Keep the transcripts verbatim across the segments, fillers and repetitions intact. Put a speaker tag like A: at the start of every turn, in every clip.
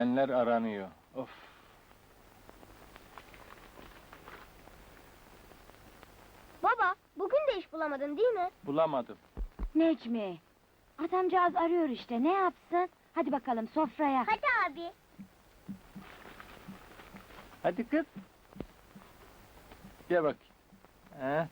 A: Enler aranıyor. Of.
B: Baba, bugün de iş bulamadın değil mi?
A: Bulamadım.
C: Necmi, adamcağız arıyor işte, ne yapsın? Hadi bakalım sofraya.
B: Hadi abi.
A: Hadi kız. Gel bak. He?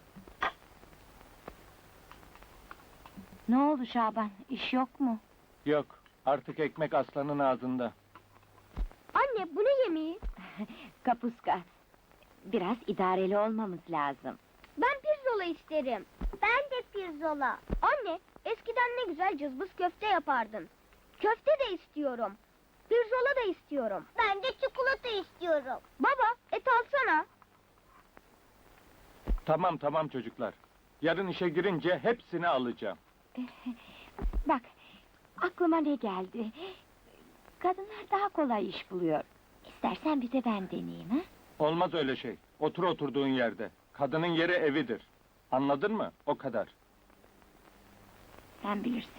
C: Ne oldu Şaban, iş yok mu?
A: Yok. Artık ekmek aslanın ağzında.
B: Anne, bu ne yemeği?
C: Kapuska. Biraz idareli olmamız lazım.
B: Ben pirzola isterim. Ben de pirzola. Anne, eskiden ne güzel cızbız köfte yapardın. Köfte de istiyorum. Pirzola da istiyorum. Ben de çikolata istiyorum. Baba, et alsana.
A: Tamam tamam çocuklar. Yarın işe girince hepsini alacağım.
C: Bak, aklıma ne geldi? Kadınlar daha kolay iş buluyor. İstersen bir de ben deneyeyim, ha?
A: Olmaz öyle şey. Otur oturduğun yerde. Kadının yeri evidir. Anladın mı? O kadar.
C: Sen bilirsin.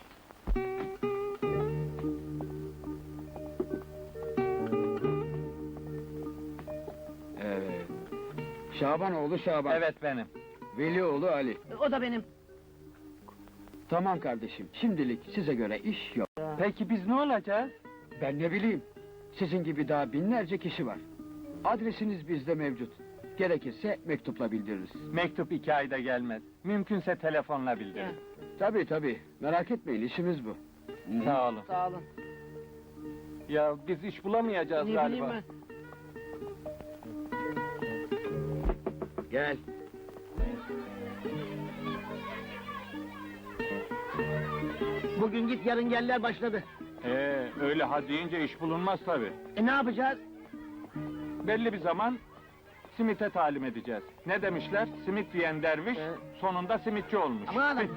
D: Evet. Şabanoğlu Şaban.
A: Evet benim.
D: Velioğlu Ali.
E: O da benim.
D: Tamam kardeşim, şimdilik size göre iş yok.
A: Peki biz ne olacağız?
D: Ben ne bileyim, sizin gibi daha binlerce kişi var. Adresiniz bizde mevcut. Gerekirse mektupla bildiririz.
A: Mektup iki ayda gelmez. Mümkünse telefonla bildirin.
D: Tabii tabii, merak etmeyin, işimiz bu.
A: Sağ olun.
E: Sağ olun.
A: Ya biz iş bulamayacağız
E: Ne
A: galiba.
E: bileyim ben.
D: Gel.
E: Bugün git yarın geller başladı.
A: Ee, öyle ha deyince iş bulunmaz tabii.
E: E ne yapacağız?
A: Belli bir zaman simite talim edeceğiz. Ne demişler? Simit yiyen derviş
E: Ee?
A: sonunda simitçi olmuş.
E: Aman adam.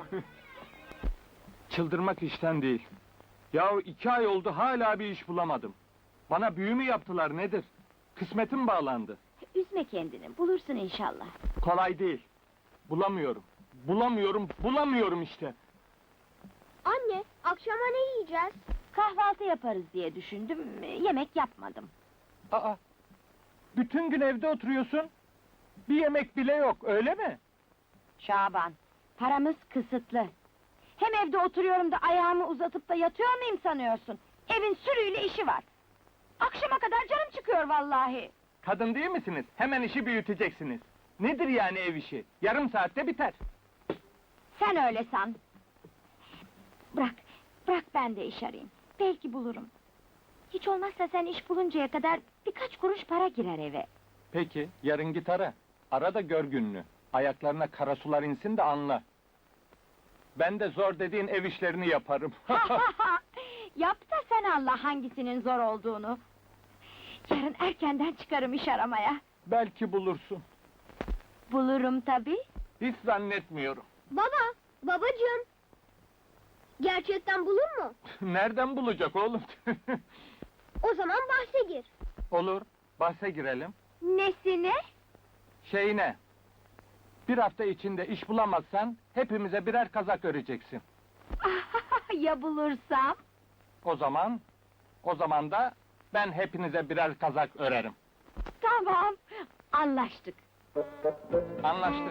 A: Çıldırmak işten değil. Yahu iki ay oldu hala bir iş bulamadım. Bana büyü mü yaptılar nedir? Kısmetim bağlandı.
C: Üzme kendini, bulursun inşallah.
A: Kolay değil. Bulamıyorum. Bulamıyorum, bulamıyorum işte.
B: Anne, akşama ne yiyeceğiz?
C: Kahvaltı yaparız diye düşündüm, yemek yapmadım.
A: Aa! Bütün gün evde oturuyorsun. Bir yemek bile yok, öyle mi?
C: Şaban, paramız kısıtlı. Hem evde oturuyorum da ayağımı uzatıp da yatıyor muyum sanıyorsun? Evin sürüyle işi var. Akşama kadar canım çıkıyor vallahi.
A: Kadın değil misiniz? Hemen işi büyüteceksiniz. Nedir yani ev işi? Yarım saatte biter.
C: Sen öyle san. Bırak, bırak ben de iş arayayım. Belki bulurum. Hiç olmazsa sen iş buluncaya kadar birkaç kuruş para girer eve.
A: Peki, yarın git ara. Ara da gör gününü. Ayaklarına kara sular insin de anla. Ben de zor dediğin ev işlerini yaparım.
C: Yap da sen Allah hangisinin zor olduğunu. Yarın erkenden çıkarım iş aramaya.
A: Belki bulursun.
C: Bulurum tabii.
A: Hiç zannetmiyorum.
B: Baba, babacığım. Gerçekten bulur mu?
A: Nereden bulacak oğlum?
B: O zaman bahse gir.
A: Olur, bahse girelim.
C: Nesine?
A: Şeyine, bir hafta içinde iş bulamazsan hepimize birer kazak öreceksin.
C: Ya bulursam?
A: O zaman, o zaman da ben hepinize birer kazak örerim.
C: Tamam, anlaştık.
A: Anlaştık.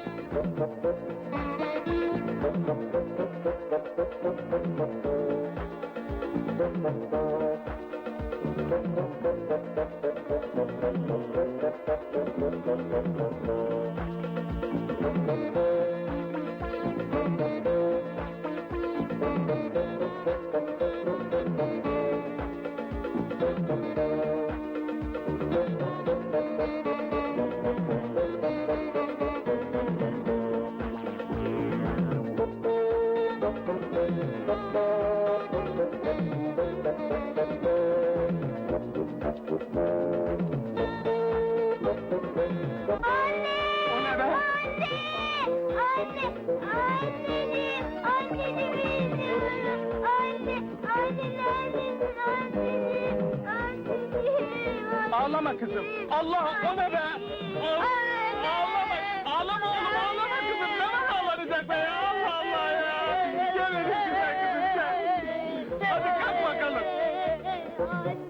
B: Anne!
A: O ne be?
B: Anne! Anne! Annenim! Annemi istiyorum! Anne! Anne neredesin annenim? Annenim!
A: Ağlama kızım. Allah, o ne be? Ağ- Ağlama, ağlama oğlum, ağlama kızım. Neden ağlanacak be ya? Allah Allah ya! Gel hele güzel kızım, gel. Hadi kalk bakalım.
B: Anne!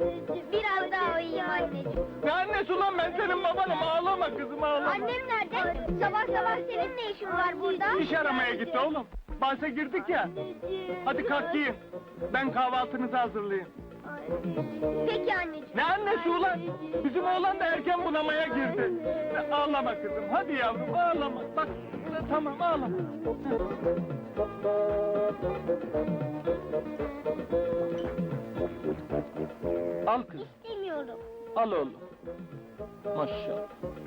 A: Ne annesi ulan, ben senin babanım, ağlama kızım ağlama.
B: Annem nerede? Sabah sabah senin ne işin var burada?
A: İş aramaya gitti oğlum. Bahse girdik ya. Hadi kalk giyin. Ben kahvaltınızı hazırlayayım.
B: Peki anneciğim.
A: Ne annesi ulan? Bizim oğlan da erken bunamaya girdi. Ağlama kızım, hadi yavrum ağlama. Bak, tamam ağlama. Al kızım,
B: İstemiyorum.
A: al oğlum. Maşallah.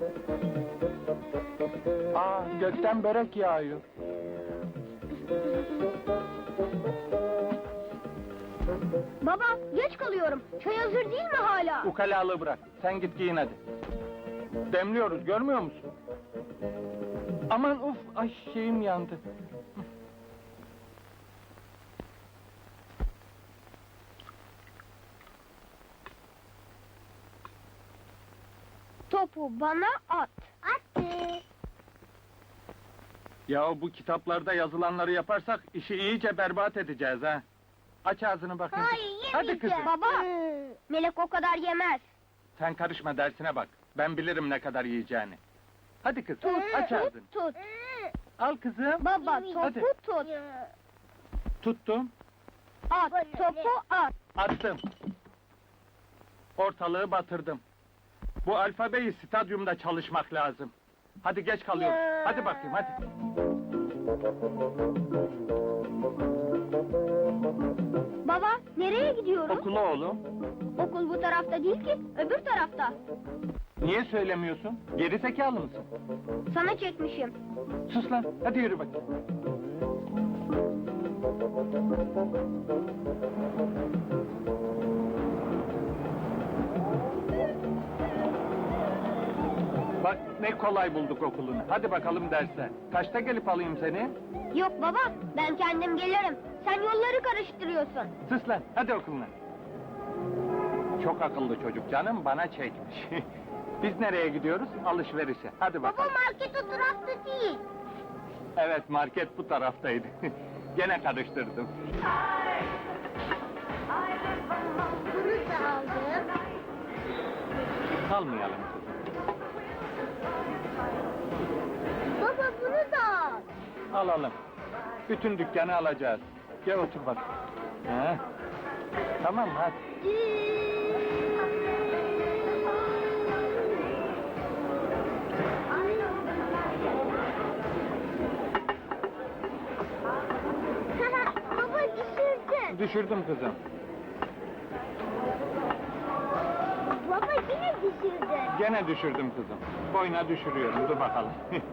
A: Aa, gökten börek yağıyor.
B: Baba geç kalıyorum. Çay hazır değil mi hala?
A: Ukalalığı bırak, sen git giyin hadi. Demliyoruz, görmüyor musun? Aman uf, ay şeyim yandı.
B: Topu bana at. Attı.
A: Ya bu kitaplarda yazılanları yaparsak işi iyice berbat edeceğiz ha. Aç ağzını bakayım.
B: Hayır yemeyeceğim.
A: Hadi kızım.
B: Baba. Melek o kadar yemez.
A: Sen karışma, dersine bak. Ben bilirim ne kadar yiyeceğini. Hadi kız, aç ağzını.
B: Tut tut.
A: Al kızım.
B: Baba topu
A: Hadi.
B: tut.
A: Tuttum,
B: At topu at.
A: attım. Ortalığı batırdım. Bu alfabeyi stadyumda çalışmak lazım. Hadi geç kalıyoruz. Hadi bakayım, hadi.
B: Baba nereye gidiyoruz?
A: Okula oğlum.
B: Okul bu tarafta değil ki, öbür tarafta.
A: Niye söylemiyorsun? Geri zekalı mısın?
B: Sana çekmişim.
A: Sus lan, hadi yürü bakayım. Bak ne kolay bulduk okulunu. Hadi bakalım derse. Kaçta gelip alayım seni?
B: Yok baba, ben kendim gelirim. Sen yolları karıştırıyorsun.
A: Sus lan, hadi okuluna. Çok akıllı çocuk canım, bana çekmiş. Biz nereye gidiyoruz? Alışverişe. Hadi
B: Baba
A: bakalım.
B: market o tarafta değil.
A: Evet, market bu taraftaydı. Gene karıştırdım.
B: Bunu da aldım.
A: Kalmayalım kızım.
B: Baba bunu da al.
A: Alalım. Bütün dükkanı alacağız. Gel otur bak. Ha? Tamam mı? Hadi.
B: Baba düşürdün.
A: Düşürdüm kızım.
B: Baba yine düşürdün.
A: Gene düşürdüm kızım. Boyuna düşürüyorum. Dur bakalım.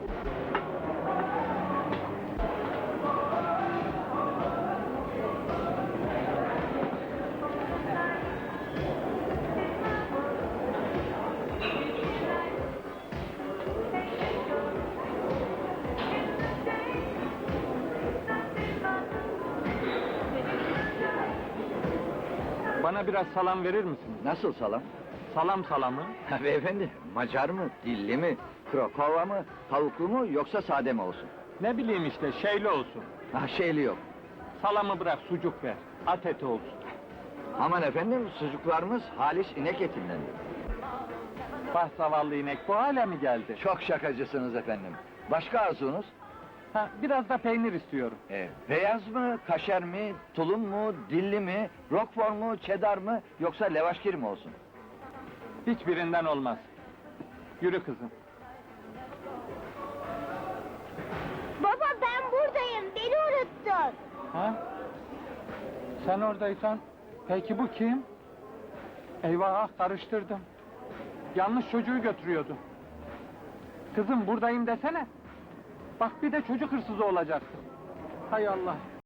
A: Bana biraz salam verir misin?
D: Nasıl salam?
A: Salam salamı.
D: Ha, beyefendi, Macar mı, dilli mi, krokova mı, tavuklu mu yoksa sade mi olsun?
A: Ne bileyim işte, şeyli olsun.
D: Ha, şeyli yok.
A: Salamı bırak, sucuk ver. At eti olsun.
D: Aman efendim, sucuklarımız halis inek etindendir.
A: Bah zavallı inek, bu hale mi geldi?
D: Çok şakacısınız efendim. Başka arzunuz?
A: Ha, biraz da peynir istiyorum.
D: E, beyaz mı, kaşer mi, tulum mu, dilli mi, roquefort mu, cheddar mı yoksa levaşkir mi olsun?
A: Hiçbirinden olmaz. Yürü kızım.
B: Baba ben buradayım. Beni unuttun.
A: Ha? Sen oradaysan, peki bu kim? Eyvah, karıştırdım. Yanlış çocuğu götürüyordu. Kızım buradayım desene. Bak bir de çocuk hırsızı olacaksın. Hay Allah.